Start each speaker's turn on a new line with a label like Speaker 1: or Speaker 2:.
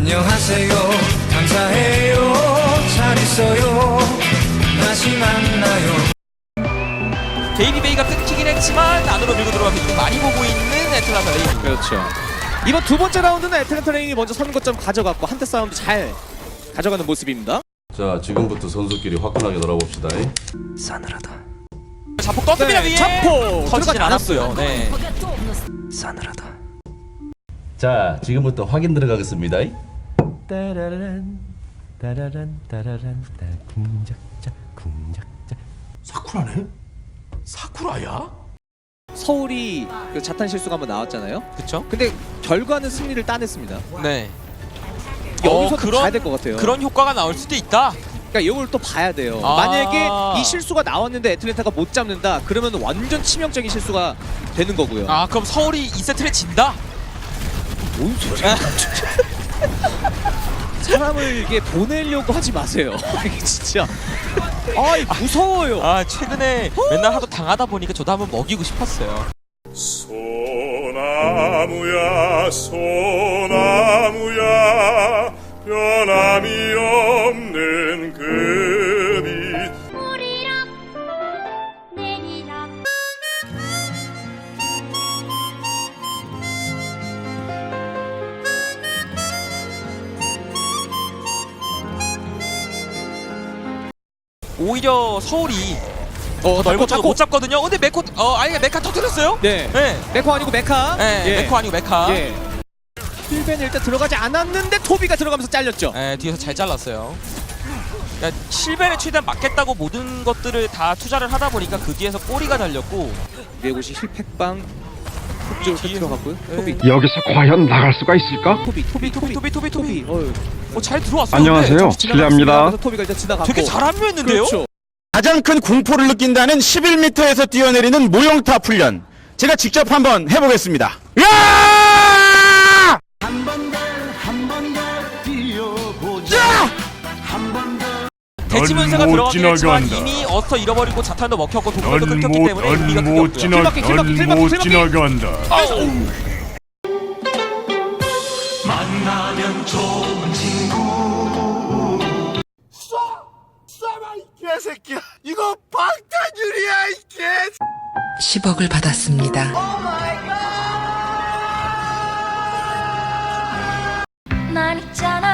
Speaker 1: 안녕하세요 감사해요 잘 있어요 다시 만나요.
Speaker 2: 베이비베이가 끊기긴 했지만 안으로 밀고 들어가서 이득 많이 보고 있는 애틀란타 레인.
Speaker 3: 그렇죠. 이번 두 번째 라운드는 애틀란타 레인이 먼저 선거점 가져갔고 한타 싸움도 잘 가져가는 모습입니다.
Speaker 4: 자, 지금부터 선수끼리 화끈하게 놀아봅시다.
Speaker 1: 싸늘하다
Speaker 2: 자폭 떴습니다.
Speaker 3: 네,
Speaker 2: 위에
Speaker 3: 자폭
Speaker 2: 터지진
Speaker 3: 들어가지
Speaker 2: 않았어요. 네.
Speaker 1: 싸늘하다.
Speaker 4: 자, 지금부터 확인 들어가겠습니다.
Speaker 5: 따라란 따라란 따라란 따 궁작자 궁작자.
Speaker 4: 사쿠라네? 사쿠라야?
Speaker 3: 서울이 그 자탄 실수가 한번 나왔잖아요.
Speaker 2: 그쵸?
Speaker 3: 근데 결과는 승리를 따냈습니다.
Speaker 2: 네.
Speaker 3: 여기서
Speaker 2: 그런-
Speaker 3: 봐야 될 것 같아요.
Speaker 2: 그런 효과가 나올 수도 있다.
Speaker 3: 그러니까 이걸 또 봐야 돼요.
Speaker 2: 아.
Speaker 3: 만약에 이 실수가 나왔는데 애틀랜타가 못 잡는다. 그러면 완전 치명적인 실수가 되는 거고요.
Speaker 2: 아 그럼 서울이 2세트를 진다?
Speaker 3: 뭔 소리야? 사람을 이게 보내려고 하지 마세요. 이게 진짜. 아, 무서워요.
Speaker 2: 아 최근에 맨날 하도 당하다 보니까 저도 한번 먹이고 싶었어요.
Speaker 6: 소나무야 소나무야 변함이 없는 그 빛
Speaker 7: 오리락 내리락
Speaker 2: 오히려 서울이
Speaker 3: 넓고
Speaker 2: 넓고 못 잡거든요. 근데 메코 아니 메카 터뜨렸어요?
Speaker 3: 네.
Speaker 2: 네.
Speaker 3: 메코 아니고 메카.
Speaker 2: 네.
Speaker 3: 예.
Speaker 2: 메코 아니고 메카.
Speaker 3: 예. 힐벤 일단 들어가지 않았는데 토비가 들어가면서 잘렸죠.
Speaker 2: 네, 뒤에서 잘 잘랐어요. 그러니까 실벤에 최대한 맞겠다고 모든 것들을 다 투자를 하다 보니까 그 뒤에서 꼬리가 달렸고.
Speaker 3: 네곳이 힐팩방 쪽으로
Speaker 2: 뒤에서.
Speaker 3: 들어갔고요.
Speaker 2: 네.
Speaker 3: 토비.
Speaker 8: 여기서 과연 나갈 수가 있을까?
Speaker 3: 토비.
Speaker 2: 잘 들어왔어요.
Speaker 8: 안녕하세요.
Speaker 2: 근데
Speaker 8: 실례합니다.
Speaker 3: 토비가 일단 지나갔고.
Speaker 2: 되게 잘 합류했는데요?
Speaker 3: 그렇죠.
Speaker 9: 가장 큰 공포를 느낀다는 11m에서 뛰어내리는 모형탑 훈련 제가 직접 한번 해보겠습니다. 야!
Speaker 2: 대치문세가
Speaker 6: 넌못
Speaker 2: 들어가긴 했지만
Speaker 6: 지나간다.
Speaker 2: 이미 어스터 잃어버리고 자탄도 먹혔고 도구도 끊겼기 때문에 의미가 크게
Speaker 6: 넌못
Speaker 2: 없고요.
Speaker 6: 넌못 지나간다.
Speaker 1: 만나면 좋은 친구
Speaker 9: 개새끼야 이거 방탄유리야 이 개.
Speaker 10: 10억을 받았습니다.
Speaker 7: 난 있잖아